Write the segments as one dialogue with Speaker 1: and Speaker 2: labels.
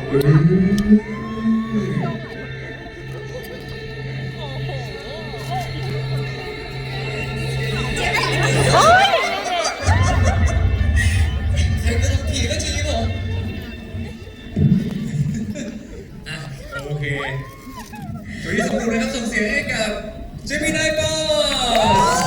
Speaker 1: ใครก็ต้องผีก็ชี้ผมอ่ะโอเคตัวที่สองดูนะครับส่งเสียงให้กับเจมินายบอส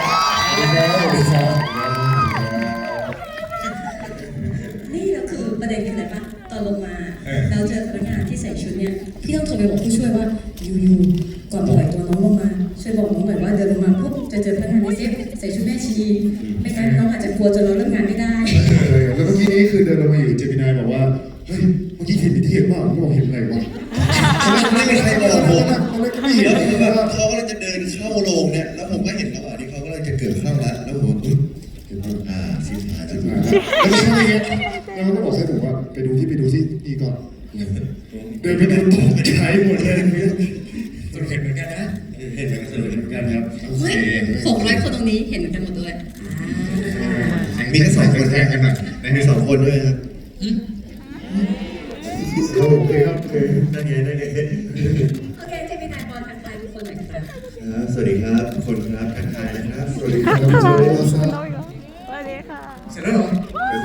Speaker 2: นี่เราคือประเด็นคืออะไรปะตอนลงมาเราเจอพนักงานที่ใส่ชุดเนี่ยพี่ต้องโทรไปบอกผู้ช่วยว่าอยู่ก่อนปล่อยตัวน้องลงมาช่วยบอกน้องหน่อยว่าเดินลงมาปุ๊บจะเจอพนักงานในเซฟใส่ชุดแม่ชีไม่งั้นน้องอาจจะกลัวจนเราเริ่มงานไม่ได้
Speaker 3: แล้วเมื่อกี้นี้คือเดินลงมาอยู่เจมินายบอกว่าเฮ้ยเมื่อกี้เห็นที่เห็นว่าผมบอกเห็นอะไรวะ
Speaker 4: ไม่มีใครบอกผม
Speaker 3: ไม่เห็น
Speaker 4: แล้วเขาก็เลยจะเดินเข้าโรงเนี่ยแล้วผมก็เห็นระหว่างที่เขาก็เลยจะเกิดเข้าแล้วผมชิบหายแล้ว
Speaker 3: ไม่ใช่ไงแล้วเขาก็บอกใส่ผมว่าไปดูที่นี่ก่อนเดินไปดูตกใจหมดเลย
Speaker 1: สรุปเห็นเหมือนกันนะ
Speaker 3: เห็นเหมือนกันครับ
Speaker 2: เฮ้ย600 คนตรงนี้เห็นเหมือนกันหมดเลย
Speaker 4: มีแค่2 คนแค่กันหน่อยมี2 คนด้วยครับ
Speaker 3: โอเคครับโอเค
Speaker 4: ได้ไง
Speaker 2: โอเคเจมินายบอลทักทายทุกคนหน่อยครับ
Speaker 4: สวัสดีครับทุกคนครับทักทายนะครับ
Speaker 3: สวัสดีครับสวัสดี
Speaker 1: ค่ะเสร็จแล้วเหรอ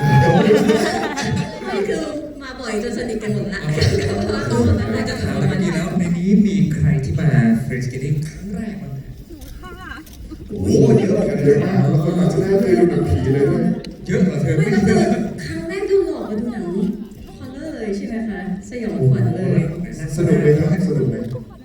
Speaker 2: คือมาบ่อยจนสนิทกันหมดละ
Speaker 1: เราจะถามเมื่อกี้แล้วในนี้มีใครที่มาเฟรนช์เกตติ้งครั้งแรกบ้าง
Speaker 3: โอ้เยอะมากแล้วคนอาจจะไม่เคยดูหนังผีเลยด้วย
Speaker 1: เยอะกว่าเธอ
Speaker 2: ไม่ก็คือครั้งแรกดูหลอกมาดูหนังฮอลเลอร์เลยใช่ไหมคะสยองขวัญเลย
Speaker 3: สนุกเลยครับสนุกเลย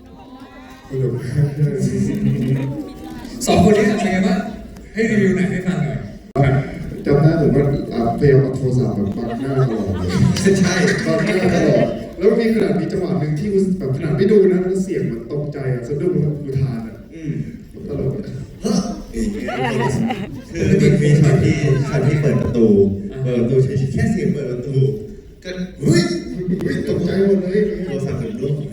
Speaker 1: 2 คนนี้ทำยังไงบ้างให้รีวิวหนังให้ฟังหน่อย
Speaker 3: จำได้ผมว่าพยายามเอาโทรศัพท์แบบบังหน้าตลอดเลย
Speaker 4: ใช่
Speaker 3: บังหน้าตลอดแล้วมีขนาดมีจังหวะหนึ่งที่แบบขนาดไม่ดูนะแล้วเสียงมันตกใจสะดุ้งแล้วอุทานตลก
Speaker 4: คือมีช็อตที่เปิดประตูใช้แค่เสียงเปิดประตูก็เฮ้ย
Speaker 3: ตกใจหมดเลย
Speaker 4: โทรศัพท์เป็นลูก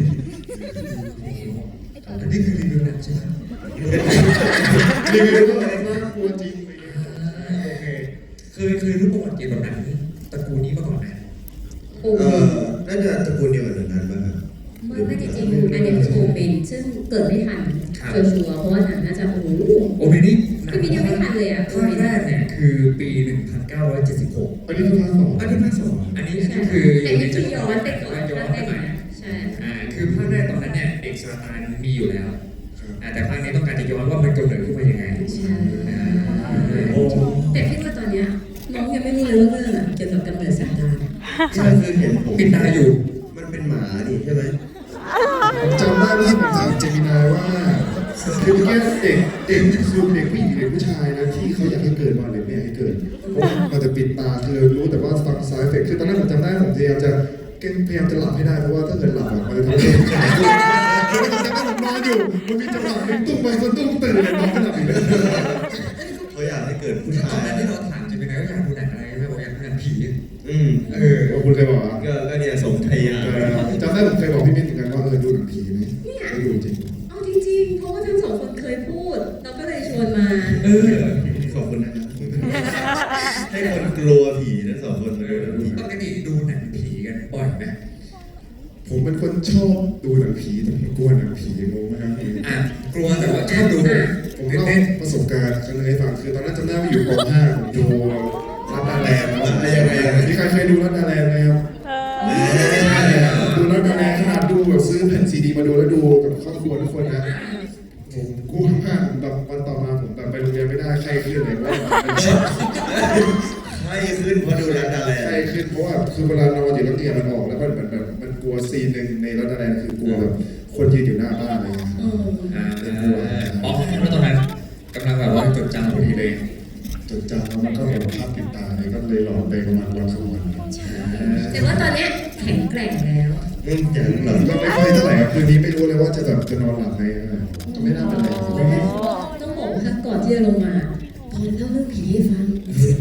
Speaker 1: อันนี้คือรีวิวหนังใช่ไหม
Speaker 3: รีวิวก็น่ากลัวจริง
Speaker 1: โอเคเคยรู้ประวัติเกี่ยวกับหนังตระกูลนี้มาก่อนไหม
Speaker 4: น่าจะตระกูลเดียวกันนั้นป่ะครับ
Speaker 2: ไม่จริงๆอันนี้โชว์เป็นซึ่งเกิดไม่ทันชัวร์เพราะว่าหนังน่าจะ
Speaker 1: โอเปนี่
Speaker 2: คือพี่ยังไม่ทันเลยอ่ะ
Speaker 1: ภาคแรกเนี่ยคือปี 1976
Speaker 3: อันนี้คือภาค 2
Speaker 1: อันนี้ภาค 2อันนี้คือ
Speaker 2: แต่นี่คือย้อนไปก่อนภาคแรกใช่
Speaker 1: คือภาคแรกตอนนั้นเนี่ยเด็กซาตานมีอยู่แล้วแต่ภาคนี้ต้องการจะย้อนว่ามันกำเนิดขึ้นมายังไง
Speaker 2: แต่พี่ว่าตอนเนี้ยน้องยังไม่รู้เลยว่าเรื่องเกี่ยวกับกำเนิดซาตาน
Speaker 4: ใช่คือเห็นผม
Speaker 1: ปิดตาอยู่
Speaker 4: มันเป็นหมาดิใช่ไหม
Speaker 3: จำได้ว่าผมถามเจมินายว่าคือเมื่อกี้เด็กคือเด็กผู้หญิงเด็กผู้ชายนะที่เขาอยากให้เกิดมาหรือไม่อยากให้เกิดมันจะปิดตาคือรู้แต่ว่าฟังซ้ายเฟกคือตอนนั้นผมจำได้ผมพยายามจะหลับให้ได้เพราะว่าถ้าเกิดหลับมันจะทำให้ขาดคือผมจำได้ผมนอนอยู่มันมีจังหวะหนึ่งตุ้มไปคนตุ้มตื่นเลยนอนก็หลับอีกเลย
Speaker 4: เขาอยากให้เกิดผู้ชาย
Speaker 1: ตอนนั้นที่เราถามจะเป็นไงว่าอยากดูหนังอะไรไม่บอกอยากดูหนังผี
Speaker 3: คุณเคยบอก
Speaker 4: ก็เนี่ยสมไทย
Speaker 3: จำได้ผมเคยบอกพี่มิ้นเหมือนกันว่าดูหนังผีไหมไม่ดูจริง
Speaker 2: เอาจริงๆเพราะว่าทั้ง2 คนเคยพูดเราก็เลยชวนมา
Speaker 4: ขอบคุณนะครับให้คนกลัวผีทั้ง2 คน
Speaker 1: ปกติดูหนังผีกันบ่อยไหม
Speaker 3: ผมเป็นคนชอบดูหนังผีแต่ผมกลัวหนังผีงงไหมครับ
Speaker 1: กลัวแต่ว่าชอบดู
Speaker 3: ผมเล่าประสบการณ์ครั้งนึงให้ฟังคือตอนนั้นจำได้ว่าอยู่ป .5 ผมดูรัดดาแลนด์มีใครเคยดูรัดดาแลนด์ไหมครับดูรัดดาแลนด์ขนาดดูแบบซื้อแผ่นซีดีมาดูแล้วดูกับครอบครัวทุกคนนะผมกลัวมากแบบวันต่อมาผมแบบไปโรงเรียนไม่ได้ไข้ขึ้นเลยว่า
Speaker 4: ไข้ขึ้นเพราะดูรัดดาแลนด์
Speaker 3: ไข้ขึ้นเพราะว่าคือเวลานอนอยู่แล้วเตียงมันออกแล้วมันแบบมันกลัวซีนหนึ่งในรัดดาแลนด์คือกลัวแบบคนยืนอยู่หน้าบ้านอะไรอย่างเงี้ย
Speaker 1: แล้วตอนนั้นกำลังแบบว่าจดจำพอดีเลย
Speaker 3: จดจำแล้วมันก็แบบภาพติดตาเลยก็เลยหลอนไปประมาณวัน2 วัน
Speaker 2: แต่ว่าตอนนี้แข็งแกร่งแล้ว
Speaker 3: อย่างหลังก็ไม่ค่อยเท่าไหร่คืนนี้ไม่รู้เลยว่าจะแบบจะนอนหลับไหมก็ไม่น่าเป็นไร
Speaker 2: ต้องบอกว่าก่อนที่จะลงมาพอเล่าเรื่องผีให้ฟัง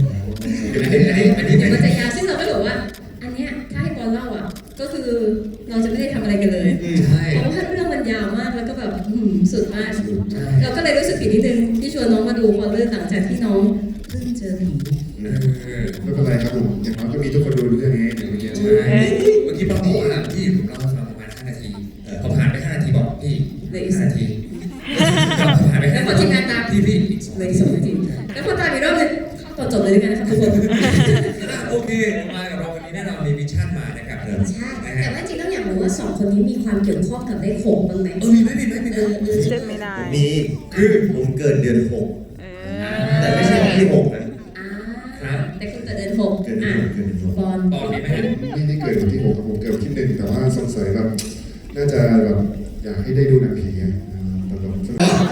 Speaker 2: มันจะยาวซึ่งเราก็บอกว่าอันเนี้ยถ้าให้บอลเล่าอ่ะก็คือเราจะไม่ได้ทำอะไรกันเลยเพราะว่าเรื่องมันยาวมากแล้วก็แบบสุดมากเราก็เลยรู้สึกผิดนิดนึงที่ชวนน้องมาดูพอเรื่องหลังจากที่น้องเพิ่งเจอผี
Speaker 3: ไม่เป็นไรครับผมอย่างน้อยก็มีทุกคนดูเรื่องนี้อย่างเมื่อกี้
Speaker 1: ใช่พี่ป้าบอกว่าพี่ผมเล่าให้ฟังประมาณ5 นาทีพอผ่านไป5 นาทีบอกพี่5 นาทีพอผ่านไป5 นาทีพี่อีก
Speaker 2: เลย2 นาทีแล้วพอตามอีกรอบนึงเข้าตอนจบเลยด้วยกันนะครับทุกคน
Speaker 1: โอเคมากับเราวันนี้แน่นอนมีมิชชั่นมานะครับ
Speaker 2: ใช่แต่ว่าจริงๆต้องอยากรู้ว่า2 คนนี้มีความเกี่ยวข้องกับเลข6บ้างไหม
Speaker 1: มีไหม
Speaker 5: เจ็บไม่ได้
Speaker 4: มีคือผมเกิดเดือน 6 แต่ไม่ใช่วันที่ 6 นะ
Speaker 2: แต่คุณเกิดเดือน6
Speaker 4: เกิดเดือน 6 เกิดเดือน 6
Speaker 2: บอล
Speaker 1: ตอนนี้ไหม
Speaker 3: ไม่ได้เกิดวันที่6ครับผมเกิดวันที่1แต่ว่าสงสัยแบบน่าจะแบบอยากให้ได้ดูหนังผีไงแต่แบบผม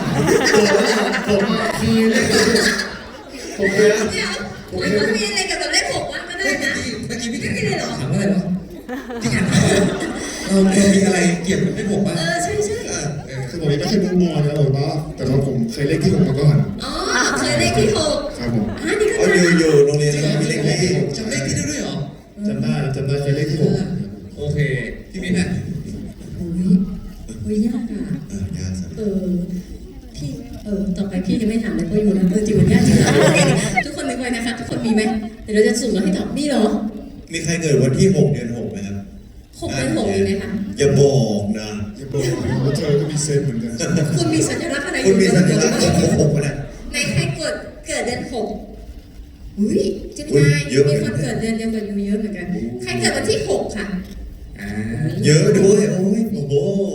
Speaker 3: คือเลขผมเลย
Speaker 2: เดี๋ยวมันต้องมีอะไรกับเลข6ว่าก็ได้นะ
Speaker 1: เมื่อกี้พี่แขกถามว่าอะไรวะพี่แขกถามว่าเรามีอะไรเกี่ยวกับเลข6บ้าง
Speaker 2: ใช่
Speaker 3: คือผมยังไม่เคยดูมอนะผมว่าแต่ว่าผมเคยเลขที่6มาก่อน
Speaker 2: อ๋อเคยเลขที่6
Speaker 3: ครับผม
Speaker 2: นี่ก็
Speaker 4: อ๋อ
Speaker 2: ได้
Speaker 4: อยู่โรงเรียนเรามีเลขที่
Speaker 1: จำเลขที่ได้ด้วยเหรอ
Speaker 3: จำได้เคยเลขที่6
Speaker 1: โอเคพี่มิ้นท์
Speaker 2: อุ้ยยากอ่ะ
Speaker 4: ยากสัก
Speaker 2: พี่ต่อไปพี่จะไม่ถามเลยเพราะอยู่นะจริงมันยากจริงทุกคนนึกไว้นะคะทุกคนมีไหมเดี๋ยวเราจะสุ่มแล้วให้ตอบมีเหรอ
Speaker 4: มีใครเกิดวันที่ 6 เดือน 6 ไหมครับ
Speaker 2: 6 เดือน 6มีไหมคะ
Speaker 4: อย่าบอกนะ
Speaker 3: อย่าบอกว่าเธอก็มีเซนส์เหมือนกัน
Speaker 2: คุณมีสัญลักษณ์อะไรอ
Speaker 4: คุณ
Speaker 2: ยู่
Speaker 4: มีสัญลักษณ์ของ6ป่ะเนี่ย
Speaker 2: ในใครเกิดเดือน6อุ้ยเจะมีมีคนเกิดเดือนเดียวกับยูเยอะเหมือนกันใครเกิดวันที่6ค่ะ
Speaker 1: อ่า
Speaker 4: เยอะด้วยโอ้ยโอ้โห